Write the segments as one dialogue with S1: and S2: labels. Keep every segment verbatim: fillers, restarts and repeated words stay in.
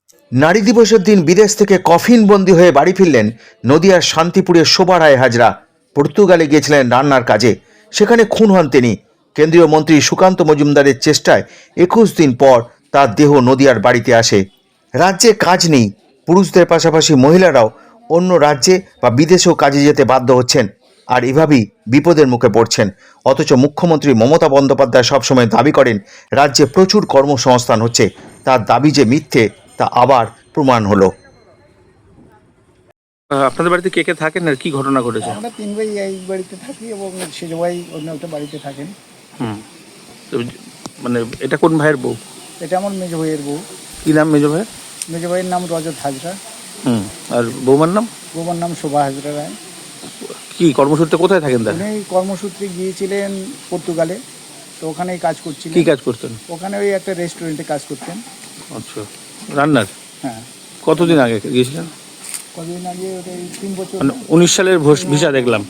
S1: নারী দিবসের দিন বিদেশ থেকে কফিন বন্দী হয়ে বাড়ি ফিরলেন নদিয়ার শান্তিপুরের শোভা রায় হাজরা। পর্তুগালে গিয়েছিলেন রান্নার কাজে, সেখানে খুন হন তিনি। কেন্দ্রীয় মন্ত্রী সুকান্ত মজুমদারের চেষ্টায় একুশ দিন পর তার দেহ নদিয়ার বাড়িতে আসে। রাজ্যে কাজ নেই, পুরুষদের পাশাপাশি মহিলারাও অন্য রাজ্যে বা বিদেশেও কাজে যেতে বাধ্য হচ্ছেন, আর এভাবেই বিপদের মুখে পড়ছেন। অথচ মুখ্যমন্ত্রী মমতা বন্দ্যোপাধ্যায় সবসময় দাবি করেন রাজ্যে প্রচুর কর্মসংস্থান হচ্ছে। তার দাবি যে মিথ্যে তা আবার প্রমাণ হলো।
S2: আপনাদের বাড়িতে কে কে থাকেন আর কি ঘটনা ঘটেছে?
S3: আমরা তিন ভাই এই বাড়িতে থাকি এবং সেজ ভাই অন্য একটা বাড়িতে থাকেন।
S2: হুম, তো মানে এটা কোন ভাইয়ের বউ?
S3: এটা আমার মেজ ভাইয়ের বউ।
S2: কি নাম মেজো ভাইয়ের?
S3: মেজ ভাইয়ের নাম রজত হাজরা,
S2: হুম, আর বৌমার নাম?
S3: বৌমার নাম শোভা হাজরা রায়।
S2: কি কর্মসূত্রে কোথায় থাকেন তাহলে?
S3: উনি কর্মসূত্রে গিয়েছিলেন পর্তুগালে, তো ওখানেই কাজ করছিলেন।
S2: কি কাজ করতেন?
S3: ওখানে ওই একটা রেস্টুরেন্টে কাজ করতেন।
S2: আচ্ছা, রান্নার?
S3: হ্যাঁ।
S2: কতদিন আগে গিয়েছিলেন?
S3: কতদিন আগে? ওটা এই তিন বছর।
S2: মানে উনিশ সালের ভিসা দেখলাম।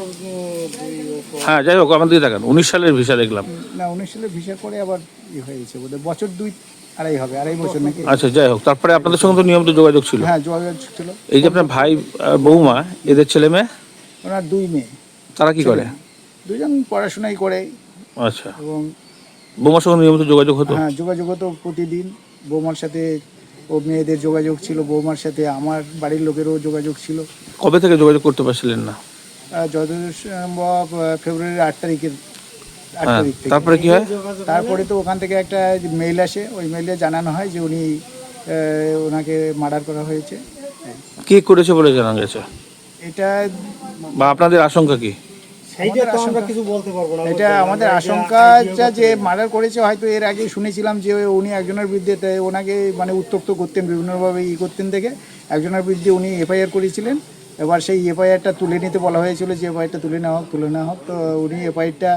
S2: হ্যাঁ, যাই হোক, আমাদের দিকে তাকান। উনিশ সালের ভিসা দেখলাম।
S3: না, উনিশ সালে ভিসা করে আবার ই হয়ে গেছে বোধহয়, বছর দুই আড়াই হবে, আড়াই বছর নাকি।
S2: আচ্ছা, যাই হোক, তারপরে আপনাদের সঙ্গে তো নিয়মিত যোগাযোগ ছিল?
S3: হ্যাঁ, যোগাযোগ ছিল।
S2: এই যে আপনার ভাই আর বৌমা, এদের ছেলে মেয়ে?
S3: ওনার দুই মেয়ে।
S2: তারা কি করে?
S3: দুজন পড়াশোনাই করে।
S2: আচ্ছা,
S3: এবং
S2: বৌমার সঙ্গে নিয়মিত যোগাযোগ হতো?
S3: হ্যাঁ, যোগাযোগ হতো প্রতিদিন। বৌমার সাথে ও মেয়েদের যোগাযোগ ছিল, বৌমার সাথে আমার বাড়ির লোকেরও যোগাযোগ ছিল।
S2: কবে থেকে যোগাযোগ করতে পারছিলেন না?
S3: আহ, যতদূর সম্ভব আহ, ফেব্রুয়ারির আট তারিখের আট
S2: হ্যাঁ,
S3: তারিখ থেকে।
S2: তারপরে কি হয়?
S3: তারপরে তো ওখান থেকে একটা মেইল আসে, ওই মেইলে জানানো হয় যে উনি আহ, ওনাকে মার্ডার করা হয়েছে।
S2: কে করেছে বলে জানা গেছে?
S3: এটা
S2: বা আপনাদের আশঙ্কা কি?
S3: আমাদের আশঙ্কা- এটা আমাদের আশঙ্কা যে মার্ডার করেছে, হয়তো এর আগে শুনেছিলাম যে উনি একজনের বিরুদ্ধে তে- ওনাকে মানে উত্তক্ত করতেন, বিভিন্নভাবে ই করতেন দেখে একজনের বিরুদ্ধে উনি এফআইআর করেছিলেন। এবার সেই এফআইআরটা তুলে নিতে বলা হয়েছিল যে এফআইআরটা তুলে নেওয়া হোক, তুলে নেওয়া হোক। তো উনি এফআইআরটা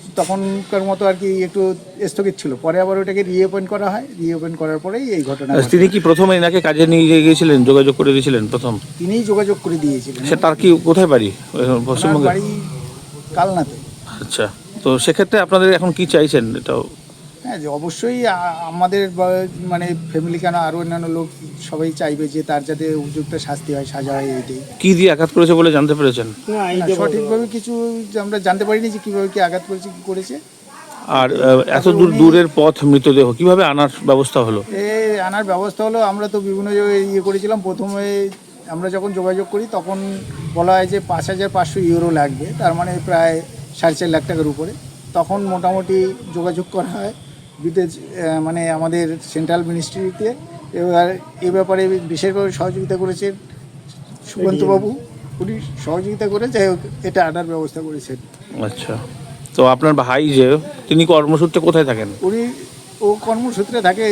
S3: তখনকার মতো আর কি একটু স্থগিত ছিল, পরে আবার ওটাকে রিওপেন করা হয়। রিওপেন করার পরেই এই ঘটনা ঘটে।
S2: তিনি কি প্রথমে এনাকে কাজে নিয়ে গিয়েছিলেন, যোগাযোগ করে দিয়েছিলেন প্রথম?
S3: তিনিই যোগাযোগ করে দিয়েছিলেন।
S2: সে তার কি কোথায় বাড়ি?
S3: ওনার
S2: পশ্চিমবঙ্গে?
S3: বাড়ি কালনাতে।
S2: আচ্ছা, তো সেক্ষেত্রে আপনাদের এখন কি চাইছেন? এটাও
S3: হ্যাঁ, যে অবশ্যই আ- আমাদের বা- মানে ফ্যামিলি কেন আরও অন্যান্য লোক সবাই চাইবে যে তার যাতে উপযুক্ত শাস্তি হয়, সাজা হয়। এইটাই।
S2: কি দিয়ে আঘাত করেছে বলে জানতে পেরেছেন?
S3: না, সঠিকভাবে কিছু যে আমরা জানতে পারিনি যে কীভাবে কি আঘাত করেছে, কী করেছে।
S2: আর আহ, এত দূর দূরের পথ মৃতদেহ কিভাবে আনার ব্যবস্থা হলো?
S3: এ আনার ব্যবস্থা হলো, আমরা তো বিভিন্ন জায়গায় ইয়ে করেছিলাম। প্রথমে আমরা যখন যোগাযোগ করি তখন বলা হয় যে পাঁচ হাজার পাঁচশো ইউরো লাগবে, তার মানে প্রায় সাড়ে চার লাখ টাকার উপরে। তখন মোটামুটি যোগাযোগ করা হয় বিদেশ আহ, মানে আমাদের সেন্ট্রাল মিনিস্ট্রিতে। এবার এ ব্যাপারে বিশেষভাবে সহযোগিতা করেছেন সুকান্তবাবু। উনি সহযোগিতা করে যাই হোক এটা আনার ব্যবস্থা করেছেন।
S2: আচ্ছা, তো আপনার ভাই যে তিনি কর্মসূত্রে কোথায় থাকেন?
S3: উনি ও কর্মসূত্রে থাকে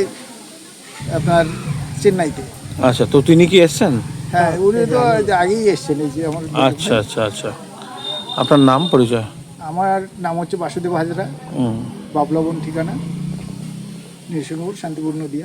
S3: আপনার চেন্নাইতে।
S2: আচ্ছা, তো তিনি কি এসছেন?
S3: হ্যাঁ, উনি তো আগেই এসছেন। এই যে আমার
S2: আচ্ছা আচ্ছা আচ্ছা, আপনার নাম পরিচয়?
S3: আমার নাম হচ্ছে বাসুদেব হাজরা,
S2: হুম,
S3: বাবলাবন ঠিকানা, নিরসনপুর, শান্তিপুর, নদিয়া।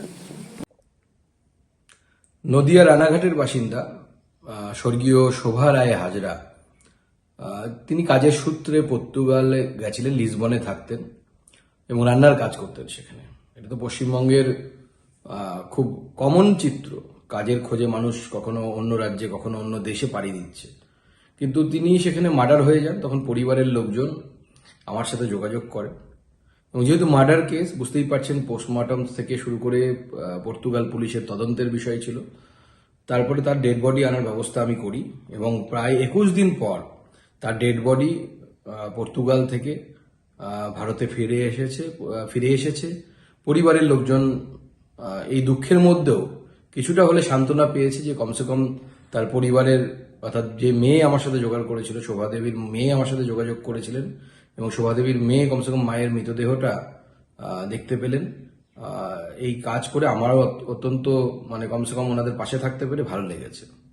S4: নদিয়া রানাঘাটের বাসিন্দা আহ, স্বর্গীয় শোভা রায় হাজরা। আহ, তিনি কাজের সূত্রে পর্তুগালে গেছিলেন, লিসবনে থাকতেন এবং রান্নার কাজ করতেন সেখানে। এটা তো পশ্চিমবঙ্গের আহ, খুব কমন চিত্র। কাজের খোঁজে মানুষ কখনো অন্য রাজ্যে, কখনো অন্য দেশে পাড়ি দিচ্ছে। কিন্তু তিনি সেখানে মার্ডার হয়ে যান। তখন পরিবারের লোকজন আমার সাথে যোগাযোগ করে এবং যেহেতু মার্ডার কেস, বুঝতেই পারছেন, পোস্টমর্টম থেকে শুরু করে আহ, পর্তুগাল পুলিশের তদন্তের বিষয় ছিল। তারপরে তার ডেড বডি আনার ব্যবস্থা আমি করি এবং প্রায় একুশ দিন পর তার ডেড বডি পর্তুগাল থেকে আহ, ভারতে ফিরে এসেছে আহ, ফিরে এসেছে। পরিবারের লোকজন আহ, এই দুঃখের মধ্যেও কিছুটা হলে সান্ত্বনা পেয়েছে যে কমসে কম তার পরিবারের, অর্থাৎ যে মেয়ে আমার সাথে জোগাড় করেছিল, শোভাদেবীর মেয়ে আমার সাথে যোগাযোগ করেছিলেন এবং শোভাদেবীর মেয়ে কমসে কম মায়ের মৃতদেহটা আহ, দেখতে পেলেন। আহ, এই কাজ করে আমারও অত্যন্ত মানে কমসে কম ওনাদের পাশে থাকতে পেরে ভালো লেগেছে।